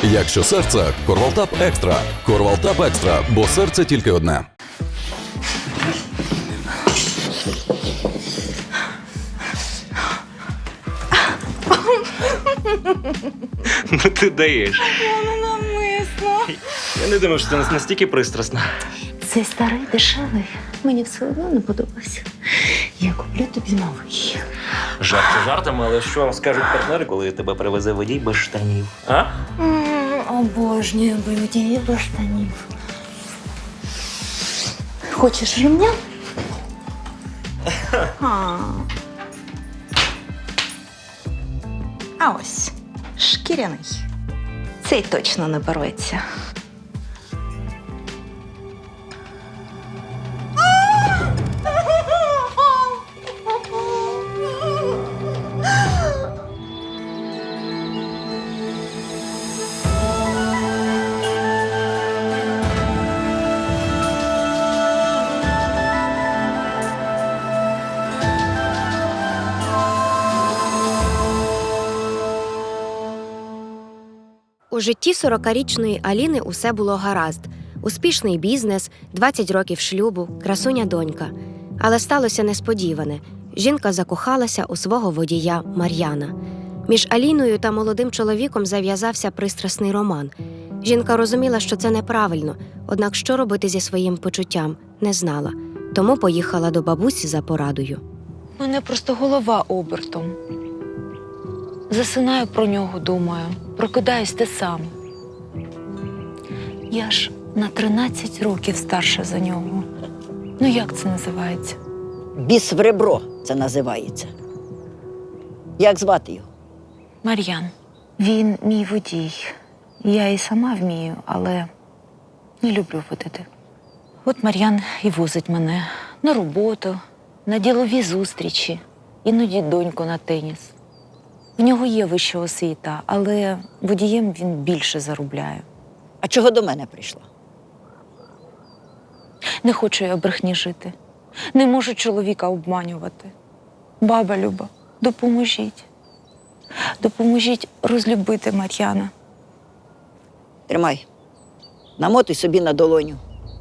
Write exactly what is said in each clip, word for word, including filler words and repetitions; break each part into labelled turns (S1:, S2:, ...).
S1: Якщо серце, Корвалтап Екстра. Корвалтап Екстра, бо серце тільки одне.
S2: Ну ти даєш.
S3: Воно навмисно.
S2: Я не думав, що це настільки пристрасно.
S3: Цей старий дешевий мені все одно не подобався. Я куплю тобі новий.
S2: Жарти жартами, але що скажуть партнери, коли тебе привезе водій без штанів? А?
S3: М, Обожнюю водії без штанів. Хочеш ремня? А. А ось шкіряний. Цей точно не порветься.
S4: У житті сорокарічної Аліни усе було гаразд. Успішний бізнес, двадцять років шлюбу, красуня донька. Але сталося несподіване. Жінка закохалася у свого водія Мар'яна. Між Аліною та молодим чоловіком зав'язався пристрасний роман. Жінка розуміла, що це неправильно, однак що робити зі своїм почуттям, не знала. Тому поїхала до бабусі за порадою.
S3: У мене просто голова обертом. Засинаю про нього, думаю. Прокидаюсь те саме. Я ж на тринадцять років старша за нього. Ну як це називається?
S5: Біс в ребро це називається. Як звати його?
S3: Мар'ян. Він мій водій. Я і сама вмію, але не люблю водити. От Мар'ян і возить мене на роботу, на ділові зустрічі, іноді доньку на теніс. В нього є вища освіта, але водієм він більше заробляє.
S5: А чого до мене прийшла?
S3: Не хочу я в брехні жити. Не можу чоловіка обманювати. Баба Люба, допоможіть. Допоможіть розлюбити Мар'яна.
S5: Тримай. Намотуй собі на долоню.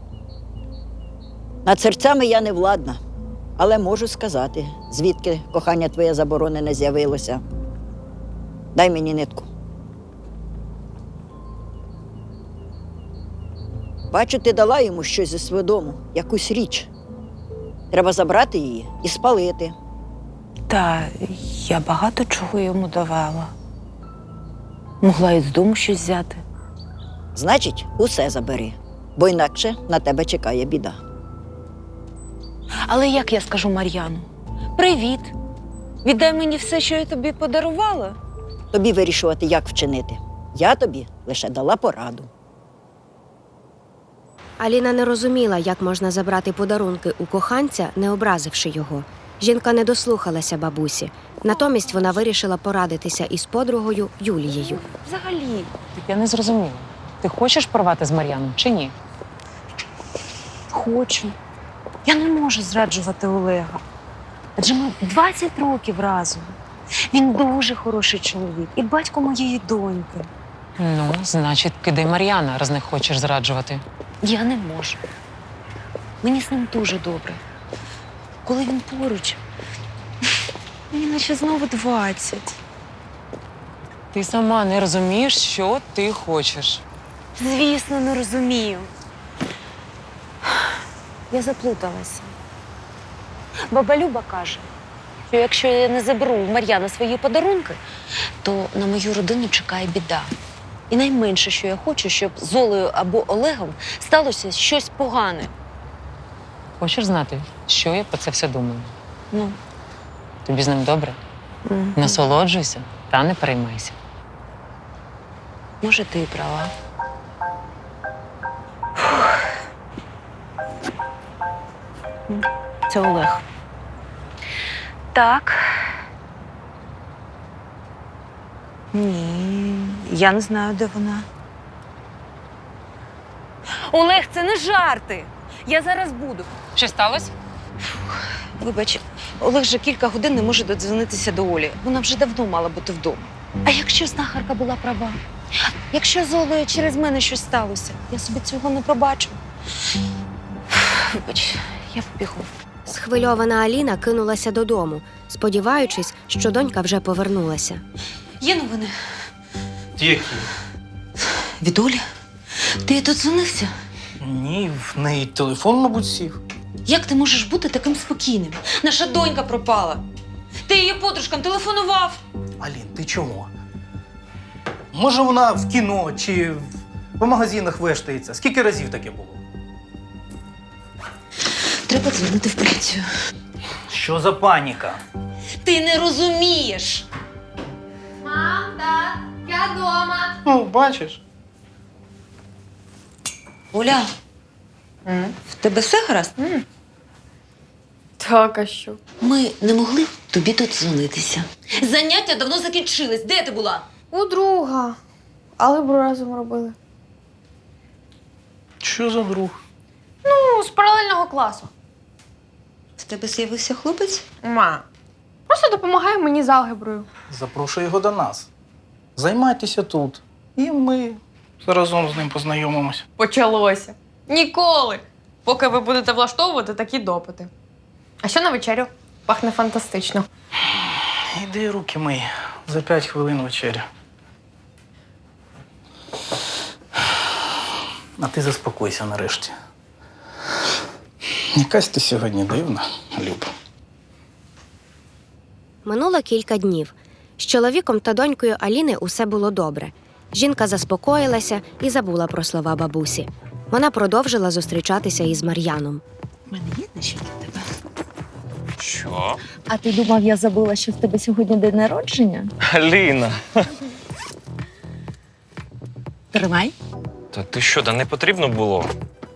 S5: Над серцями я не владна, але можу сказати, звідки кохання твоє заборонене з'явилося. Дай мені нитку. Бачу, ти дала йому щось зі свого дому, якусь річ. Треба забрати її і спалити.
S3: Та я багато чого йому давала. Могла і з дому щось взяти.
S5: Значить, усе забери, бо інакше на тебе чекає біда.
S3: Але як я скажу Мар'яну? Привіт! Віддай мені все, що я тобі подарувала.
S5: Тобі вирішувати, як вчинити. Я тобі лише дала пораду.
S4: Аліна не розуміла, як можна забрати подарунки у коханця, не образивши його. Жінка не дослухалася бабусі. Натомість вона вирішила порадитися із подругою Юлією.
S3: Взагалі.
S6: Так я не зрозуміла. Ти хочеш порвати з Мар'яном чи ні?
S3: Хочу. Я не можу зраджувати Олега. Адже ми двадцять років разом. Він дуже хороший чоловік і батько моєї доньки.
S6: Ну, значить, кидай Мар'яна, раз не хочеш зраджувати.
S3: Я не можу. Мені з ним дуже добре. Коли він поруч, мені наче знову двадцять.
S6: Ти сама не розумієш, що ти хочеш.
S3: Звісно, не розумію. Я заплуталася. Баба Люба каже, що якщо я не заберу у Мар'яна свої подарунки, то на мою родину чекає біда. І найменше, що я хочу, щоб з Олею або Олегом сталося щось погане.
S6: Хочеш знати, що я про це все думаю?
S3: Ну,
S6: Тобі з ним добре?
S3: м,
S6: Насолоджуйся та не переймайся.
S3: може, ти і права. М, Це Олег. Так. Ні, я не знаю, де вона. Олег, це не жарти. Я зараз буду.
S6: Що сталося?
S3: Вибач, Олег вже кілька годин не може додзвонитися до Олі. Вона вже давно мала бути вдома. А якщо знахарка була права? Якщо з Олею через мене щось сталося, я собі цього не пробачу. Вибач, я побігу.
S4: Схвильована Аліна кинулася додому, сподіваючись, що донька вже повернулася.
S3: Є новини?
S7: Які?
S3: Від Олі? Ти тут дзвонився?
S7: Ні, в неї телефон, мабуть, сів.
S3: Як ти можеш бути таким спокійним? Наша донька пропала. Ти її подружкам телефонував.
S7: Алін, ти чого? Може, вона в кіно чи в- по магазинах вештається? Скільки разів таке було?
S3: Треба дзвонити в поліцію.
S7: Що за паніка?
S3: Ти не розумієш.
S8: Мам, тат, я дома.
S7: Ну, бачиш.
S3: Оля, в тебе все гаразд?
S8: Так, а що?
S3: Ми не могли тобі додзвонитися. Заняття давно закінчились. Де ти була?
S8: У друга. Але б разом робили.
S7: Що за друг?
S8: Ну, з паралельного класу.
S3: В тебе з'явився хлопець?
S8: Ма. Просто допомагає мені з алгеброю.
S7: Запрошуй його до нас. Займайтеся тут. І ми разом з ним познайомимося.
S8: Почалося. Ніколи. Поки ви будете влаштовувати такі допити. А що на вечерю? Пахне фантастично.
S7: Іди руки мий. За п'ять хвилин вечеря. А ти заспокойся нарешті. Якась ти сьогодні дивна, Люб.
S4: Минуло кілька днів. З чоловіком та донькою Аліни усе було добре. Жінка заспокоїлася і забула про слова бабусі. Вона продовжила зустрічатися із Мар'яном.
S3: У мене є дещо для тебе.
S9: Що?
S3: А ти думав, я забула, що в тебе сьогодні день народження?
S9: Аліна.
S3: Тримай.
S9: Та ти що, да не потрібно було?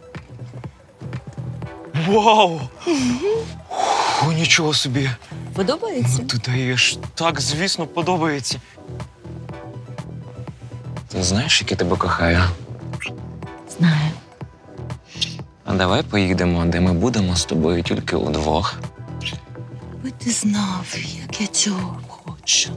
S9: Вау! О, нічого собі.
S3: Подобається?
S9: Ну, ти даєш. Так, звісно, подобається. Ти знаєш, як я тебе кохаю?
S3: Знаю.
S9: А давай поїдемо, де ми будемо з тобою тільки удвох.
S3: Би ти знав, як я цього хочу.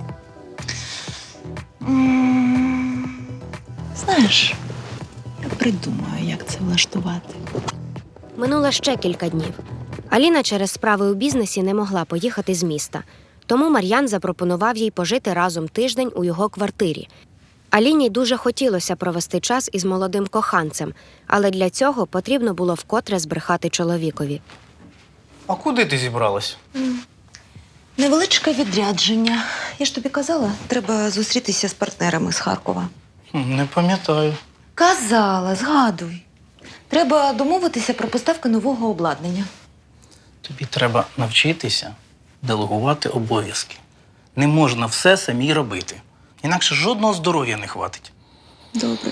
S3: М, Знаєш, я придумаю, як це влаштувати.
S4: Минуло ще кілька днів. Аліна через справи у бізнесі не могла поїхати з міста. Тому Мар'ян запропонував їй пожити разом тиждень у його квартирі. Аліні дуже хотілося провести час із молодим коханцем, але для цього потрібно було вкотре збрехати чоловікові.
S7: А куди ти зібралась?
S3: Невеличке відрядження. Я ж тобі казала, треба зустрітися з партнерами з Харкова.
S7: Хм, Не пам'ятаю.
S3: Казала, згадуй. Треба домовитися про поставки нового обладнання.
S7: Тобі треба навчитися делегувати обов'язки. Не можна все самій робити. Інакше жодного здоров'я не хватить.
S3: Добре.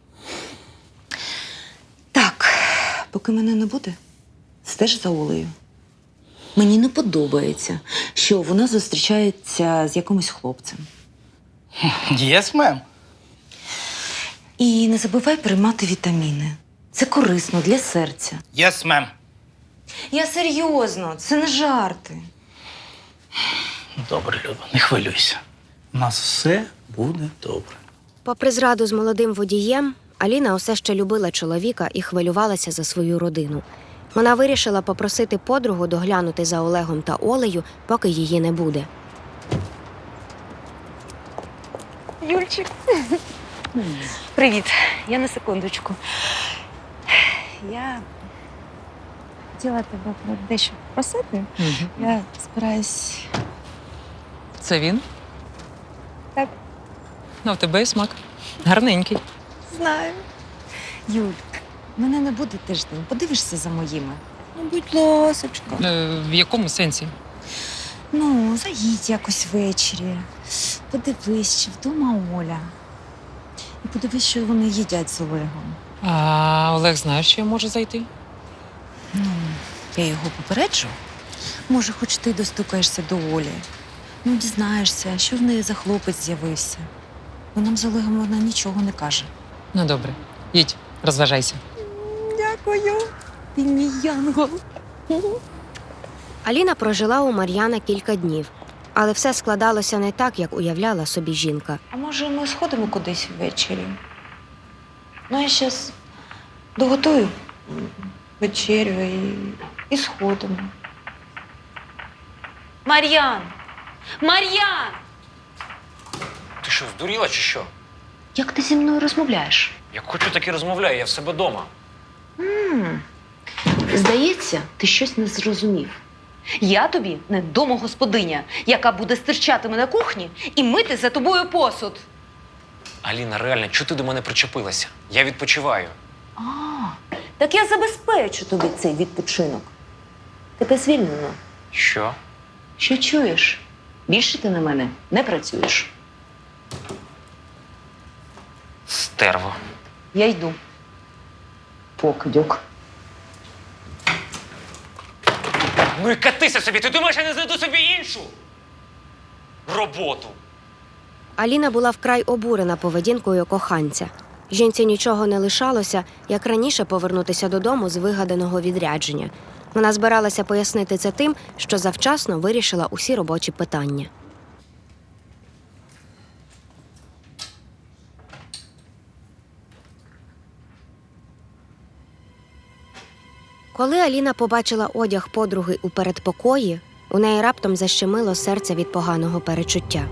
S3: Так, поки мене не буде, стеж за Олею. Мені не подобається, що вона зустрічається з якимось хлопцем.
S7: Єс, мем.
S3: І не забувай приймати вітаміни. Це корисно для серця.
S7: Єс, мем.
S3: Я серйозно, це не жарти.
S7: Добре, Люба, не хвилюйся. У нас все буде добре.
S4: Попри зраду з молодим водієм, Аліна усе ще любила чоловіка і хвилювалася за свою родину. Вона вирішила попросити подругу доглянути за Олегом та Олею, поки її не буде.
S3: Юльчик. Привіт. Я на секундочку. Я хотіла тебе про дещо попросити. Я збираюсь.
S6: Це він?
S3: Так.
S6: Ну, в тебе є смак. Гарненький.
S3: Знаю. Юль, мене не буде тиждень. Подивишся за моїми. Ну, будь ласочка.
S6: Е, в якому сенсі?
S3: Ну, заїдь якось ввечері. Подивись, чи вдома Оля. І подивись, що вони їдять з Олегом.
S6: А Олег знає, що я можу зайти?
S3: Ну, я його попереджу. Може, хоч ти достукаєшся до Олі. Ну, дізнаєшся, що в неї за хлопець з'явився. Бо нам з Олегом вона нічого не каже.
S6: Ну, добре. Їдь, розважайся.
S3: Дякую. Ти мій янгол.
S4: Аліна прожила у Мар'яна кілька днів. Але все складалося не так, як уявляла собі жінка.
S3: А може, ми сходимо кудись ввечері? Ну, я зараз доготую вечерю і, і сходимо. Мар'ян! Мар'ян!
S9: Ти що, здуріла чи що?
S3: Як ти зі мною розмовляєш?
S9: Як хочу, так і розмовляю, я в себе вдома.
S3: Здається, ти щось не зрозумів. Я тобі не домогосподиня, яка буде стирчати на кухні і мити за тобою посуд.
S9: Аліна, реально, чого ти до мене причепилася? Я відпочиваю.
S3: А, так я забезпечу тобі цей відпочинок. Тебе звільнено.
S9: Що?
S3: Що чуєш? Більше ти на мене не працюєш.
S9: Стерво.
S3: Я йду. Покидьок.
S9: Ну і катися собі, ти думаєш, я не знайду собі іншу роботу?
S4: Аліна була вкрай обурена поведінкою коханця. Жінці нічого не лишалося, як раніше повернутися додому з вигаданого відрядження. Вона збиралася пояснити це тим, що завчасно вирішила усі робочі питання. Коли Аліна побачила одяг подруги у передпокої, у неї раптом защемило серце від поганого перечуття.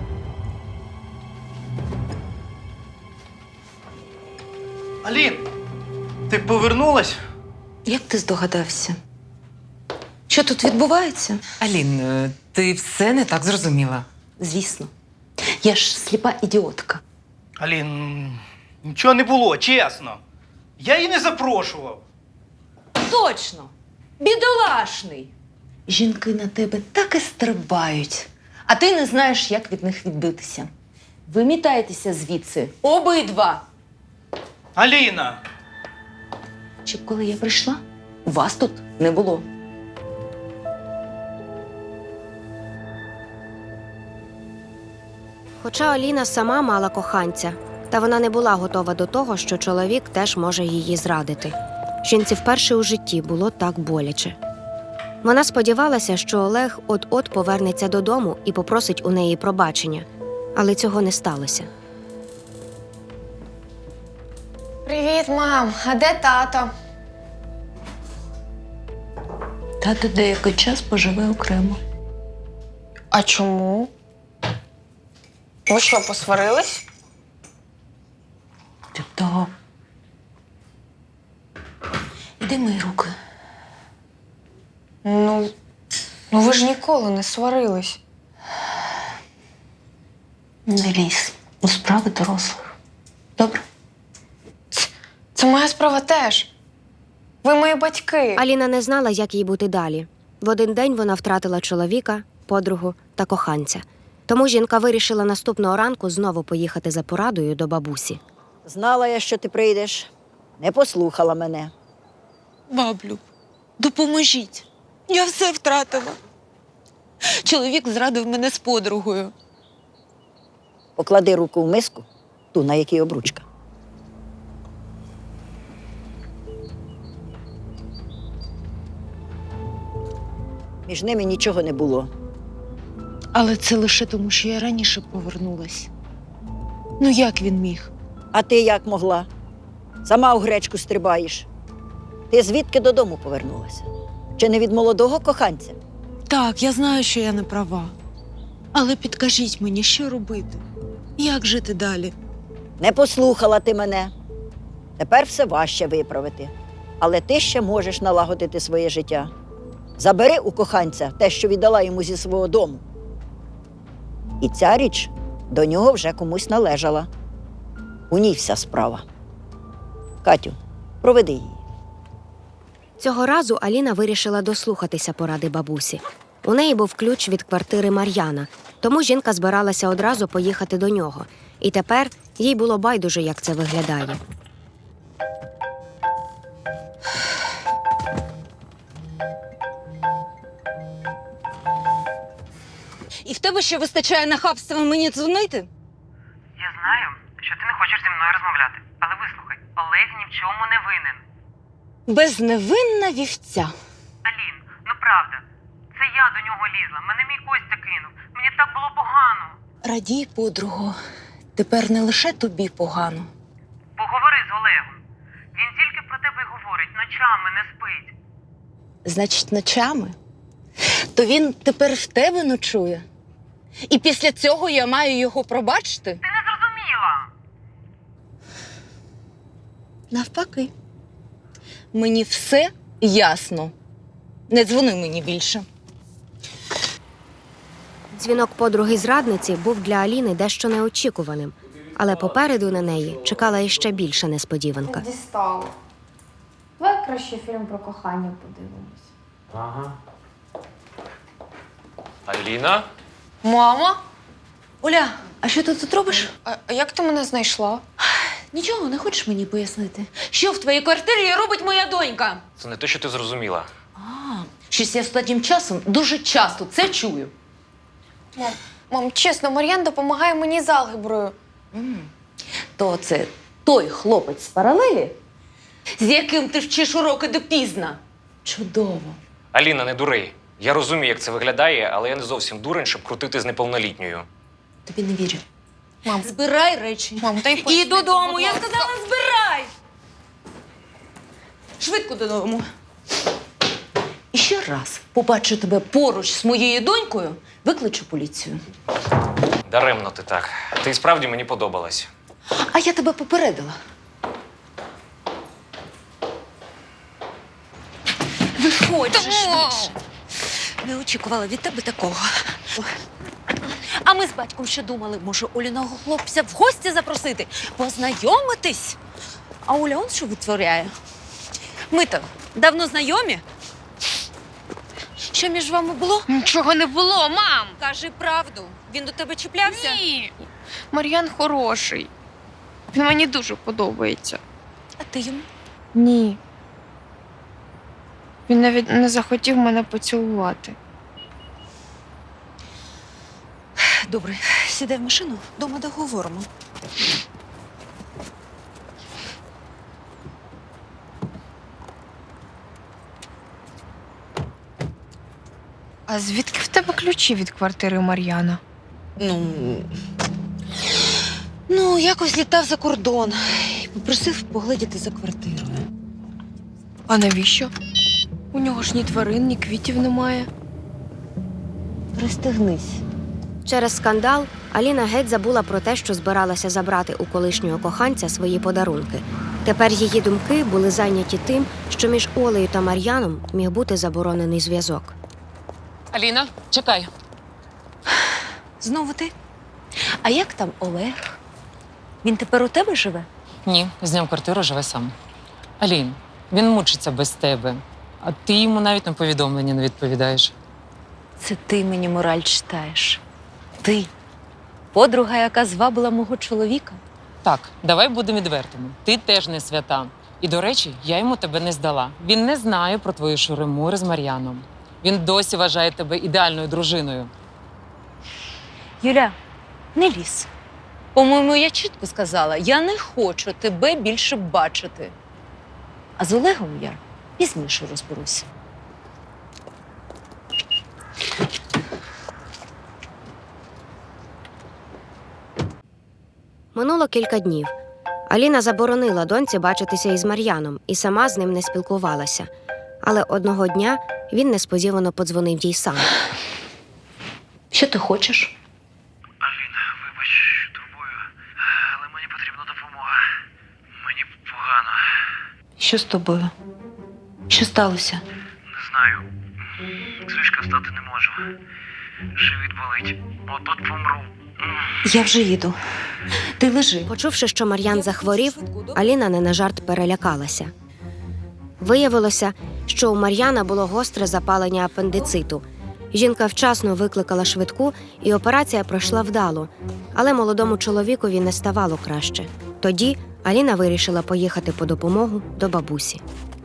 S7: Алін, ти повернулась?
S3: Як ти здогадався? Що тут відбувається?
S6: Алін, е, ти все не так зрозуміла.
S3: Звісно. Я ж сліпа ідіотка.
S7: Алін, нічого не було, чесно. Я її не запрошував.
S3: Точно! Бідолашний! Жінки на тебе так і стрибають, а ти не знаєш, як від них відбитися. Вимітайтеся звідси, обидва!
S7: Аліна!
S3: Щоб коли я прийшла, вас тут не було.
S4: Хоча Аліна сама мала коханця, та вона не була готова до того, що чоловік теж може її зрадити. Жінці вперше у житті було так боляче. Вона сподівалася, що Олег от-от повернеться додому і попросить у неї пробачення, але цього не сталося.
S8: Привіт, мам. А де тато?
S3: Тато деякий час поживе окремо.
S8: А чому? Ви що, посварились?
S3: Тип того. Іди мої руки.
S8: Ну, ну ви ж ніколи не сварились.
S3: Не лізь у справи дорослих. Добре?
S8: Це моя справа теж. Ви мої батьки.
S4: Аліна не знала, як їй бути далі. В один день вона втратила чоловіка, подругу та коханця. Тому жінка вирішила наступного ранку знову поїхати за порадою до бабусі.
S5: Знала я, що ти прийдеш. Не послухала мене.
S10: Баблю, допоможіть. Я все втратила. Чоловік зрадив мене з подругою.
S5: Поклади руку в миску, ту, на якій обручка. Між ними нічого не було.
S10: Але це лише тому, що я раніше повернулась. Ну як він міг?
S5: А ти як могла? Сама у гречку стрибаєш. Ти звідки додому повернулася? Чи не від молодого коханця?
S10: Так, я знаю, що я не права. Але підкажіть мені, що робити? Як жити далі?
S5: Не послухала ти мене. Тепер все важче виправити. Але ти ще можеш налагодити своє життя. Забери у коханця те, що віддала йому зі свого дому. І ця річ до нього вже комусь належала. У ній вся справа. Катю, проведи її.
S4: Цього разу Аліна вирішила дослухатися поради бабусі. У неї був ключ від квартири Мар'яна, тому жінка збиралася одразу поїхати до нього. І тепер їй було байдуже, як це виглядає.
S10: І в тебе ще вистачає нахабства мені дзвонити?
S6: Я знаю, що ти не хочеш зі мною розмовляти. Але вислухай, Олег ні в чому не винен.
S10: Безневинна вівця.
S6: Алін, ну правда, це я до нього лізла. Мене мій Костя кинув. Мені так було погано.
S10: Радій, подруго, тепер не лише тобі погано.
S6: Поговори з Олегом. Він тільки про тебе й говорить, ночами не спить.
S10: Значить, ночами? То він тепер в тебе ночує. І після цього я маю його пробачити?
S6: Ти не зрозуміла.
S10: Навпаки. Мені все ясно. Не дзвони мені більше.
S4: Дзвінок подруги-зрадниці був для Аліни дещо неочікуваним, але попереду на неї чекала іще більша несподіванка.
S8: Дістало. Давай краще фільм про кохання подивимось.
S9: Ага. Аліна?
S8: Мама?
S10: Оля, а що ти тут робиш?
S8: А, а як ти мене знайшла?
S10: Нічого, не хочеш мені пояснити? Що в твоїй квартирі робить моя донька?
S9: Це не те, що ти зрозуміла.
S10: А, щось я останнім часом дуже часто це чую.
S8: Мам, мам, чесно, Мар'ян допомагає мені з алгеброю.
S10: М. То це той хлопець з паралелі, з яким ти вчиш уроки допізна. Чудово.
S9: Аліна, не дури. Я розумію, як це виглядає, але я не зовсім дурень, щоб крутити з неповнолітньою.
S10: Тобі не вірю.
S8: Мам,
S10: Збирай речі.
S8: мам, дай
S10: І
S8: пояснити,
S10: додому.
S8: будь
S10: Я
S8: ласка.
S10: сказала, збирай. Швидко додому. І ще раз побачу тебе поруч з моєю донькою, викличу поліцію.
S9: Даремно ти так. Ти і справді мені подобалась.
S10: А я тебе попередила. Виходь же швидше. Не очікувала від тебе такого. А ми з батьком ще думали, може, Оліного хлопця в гості запросити, познайомитись. А Оля он що витворяє? Ми-то давно знайомі? Що між вами було?
S8: Нічого не було, мам!
S10: Кажи правду. Він до тебе чіплявся?
S8: Ні. Мар'ян хороший. Він мені дуже подобається.
S10: А ти йому?
S8: Ні. Він навіть не захотів мене поцілувати.
S10: Добре, сідай в машину, дома договоримо.
S8: А звідки в тебе ключі від квартири Мар'яна?
S10: Ну, ну, якось літав за кордон і попросив поглядіти за квартирою.
S8: А навіщо? У нього ж ні тварин, ні квітів немає.
S10: Пристегнись.
S4: Через скандал Аліна геть забула про те, що збиралася забрати у колишнього коханця свої подарунки. Тепер її думки були зайняті тим, що між Олею та Мар'яном міг бути заборонений зв'язок.
S11: Аліна, чекай.
S10: Знову ти? А як там Олег? Він тепер у тебе живе?
S11: Ні, зняв квартиру, живе сам. Алін, він мучиться без тебе, а ти йому навіть на повідомлення не відповідаєш.
S3: Це ти мені мораль читаєш. Ти. Подруга, яка звабила мого чоловіка.
S11: Так, давай будемо відвертими. Ти теж не свята. І, до речі, я йому тебе не здала. Він не знає про твої шури-мури з Мар'яном. Він досі вважає тебе ідеальною дружиною.
S3: Юля, не лізь. По-моєму, я чітко сказала, я не хочу тебе більше бачити. А з Олегом я пізніше розберуся.
S4: Минуло кілька днів. Аліна заборонила доньці бачитися із Мар'яном і сама з ним не спілкувалася. Але одного дня він несподівано подзвонив їй сам.
S3: Що ти хочеш?
S7: Алін, вибач, що турбую, але мені потрібна допомога. Мені погано.
S10: Що з тобою? Що сталося?
S7: Не знаю. З ліжка встати не можу. Живіт болить. От-от помру.
S10: Я вже їду. Ти лежи.
S4: Почувши, що Мар'ян захворів, Аліна не на жарт перелякалася. Виявилося, що у Мар'яна було гостре запалення апендициту. Жінка вчасно викликала швидку, і операція пройшла вдало. Але молодому чоловікові не ставало краще. Тоді Аліна вирішила поїхати по допомогу до бабусі.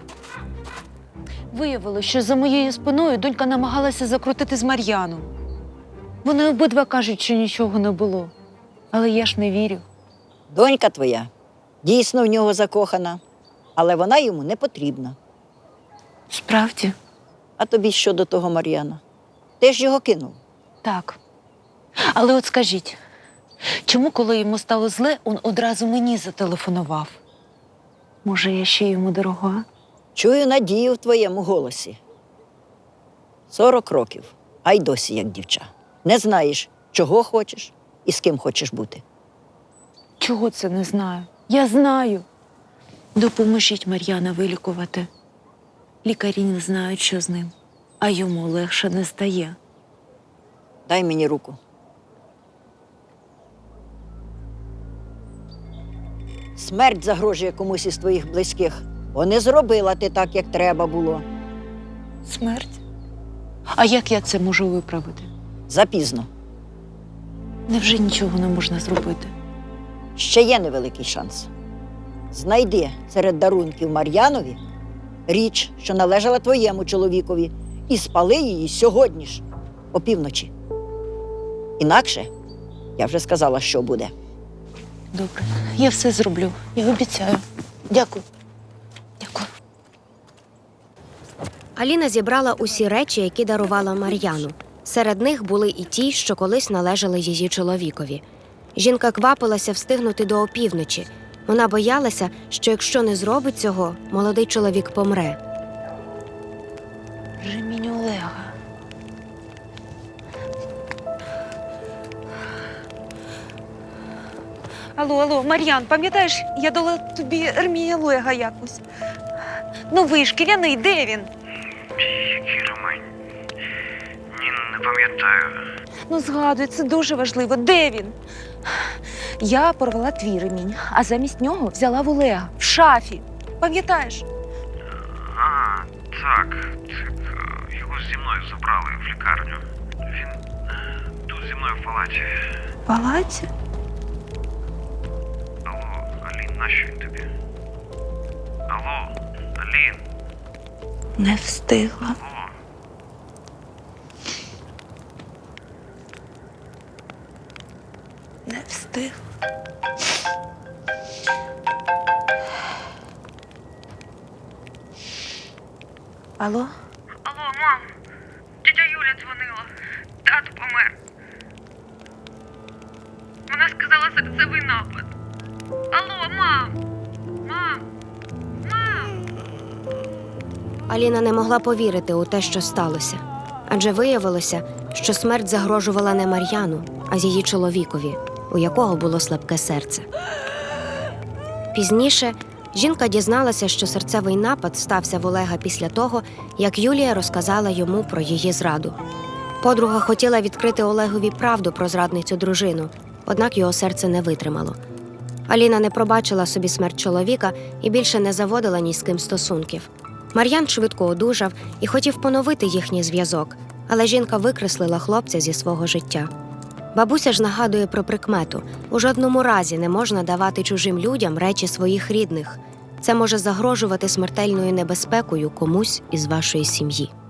S3: Виявилося, що за моєю спиною донька намагалася закрутити з Мар'яном. Вони обидва кажуть, що нічого не було. Але я ж не вірю.
S5: Донька твоя дійсно в нього закохана, але вона йому не потрібна.
S3: Справді?
S5: А тобі що до того Мар'яна? Ти ж його кинув.
S3: Так. Але от скажіть, чому, коли йому стало зле, він одразу мені зателефонував? Може, я ще йому дорога?
S5: Чую надію в твоєму голосі. Сорок років, а й досі як дівча. Не знаєш, чого хочеш і з ким хочеш бути.
S3: Чого це не знаю? Я знаю. Допоможіть Мар'яна вилікувати. Лікарі не знають, що з ним, а йому легше не стає.
S5: Дай мені руку. Смерть загрожує комусь із твоїх близьких, бо не зробила ти так, як треба було.
S3: Смерть? А як я це можу виправити?
S5: Запізно.
S3: Невже нічого не можна зробити?
S5: Ще є невеликий шанс. Знайди серед дарунків Мар'янові річ, що належала твоєму чоловікові, і спали її сьогодні ж, опівночі. Інакше, я вже сказала, що буде.
S3: Добре, я все зроблю. Я обіцяю. Дякую. Дякую.
S4: Аліна зібрала усі речі, які дарувала Мар'яну. Серед них були і ті, що колись належали її чоловікові. Жінка квапилася встигнути до опівночі. Вона боялася, що якщо не зробить цього, молодий чоловік помре.
S3: Ремінь Олега. Алло, алло, Мар'ян, пам'ятаєш, я дала тобі ремінь Олега якось. Новий, шкіряний, де він?
S6: Який ремень? Ні, не пам'ятаю.
S3: Ну, згадуй, це дуже важливо. Де він? Я порвала твій ремінь, а замість нього взяла в Олега в шафі. Пам'ятаєш?
S6: А, так. Так, його зі мною забрали в лікарню. Він е, тут зі мною в палаті.
S3: В палаці?
S6: Алло, Алін, нащо він тобі? Алло, Алін.
S3: Не встигла.
S6: Алло.
S3: Не встигла. Алло?
S6: Алло, мам. Тетя Юля дзвонила. Тато помер. Вона сказала серцевий напад. Алло, мам. Мам. Мам.
S4: Аліна не могла повірити у те, що сталося. Адже виявилося, що смерть загрожувала не Мар'яну, а її чоловікові, у якого було слабке серце. Пізніше жінка дізналася, що серцевий напад стався в Олега після того, як Юлія розказала йому про її зраду. Подруга хотіла відкрити Олегові правду про зрадницю дружину, однак його серце не витримало. Аліна не пробачила собі смерть чоловіка і більше не заводила ні з ким стосунків. Мар'ян швидко одужав і хотів поновити їхній зв'язок, але жінка викреслила хлопця зі свого життя. Бабуся ж нагадує про прикмету: у жодному разі не можна давати чужим людям речі своїх рідних. Це може загрожувати смертельною небезпекою комусь із вашої сім'ї.